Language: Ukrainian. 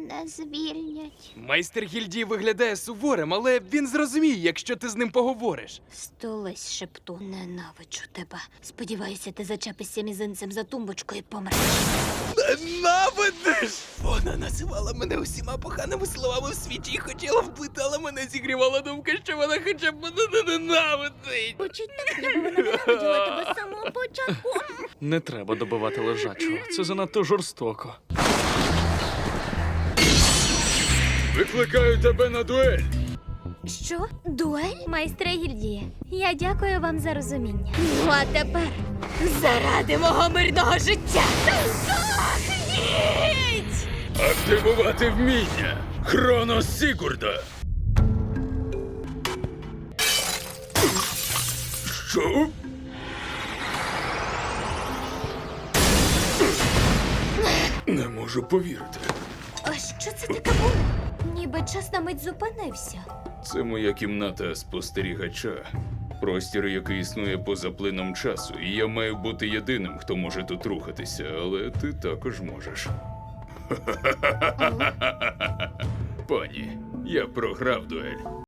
мене звільнять. Майстер гільдії виглядає суворим, але він зрозуміє, якщо ти з ним поговориш. Стулись, шепту. Ненавиджу тебе. Сподіваюся, ти зачепишся мізинцем за тумбочку і помреш. Ненавидиш! Вона називала мене усіма поганими словами в світі і хотіла вбити, але мене зігрівала думка, що вона хоча б мене не ненавидить. Учить так, ніби вона ненавиділа тебе з самого початку. Не треба добивати лежачого. Це занадто жорстоко. Викликаю тебе на дуель. Що? Дуель? Майстре гільдії, я дякую вам за розуміння. Ну а тепер заради мого мирного життя. Здохніть! Активувати вміння. Хронос Сігурда. Що? Не можу повірити. А що це таке було? Ніби час на мить зупинився. Це моя кімната спостерігача. Простір, який існує поза плином часу, і я маю бути єдиним, хто може тут рухатися, але ти також можеш. Пані, я програв дуель.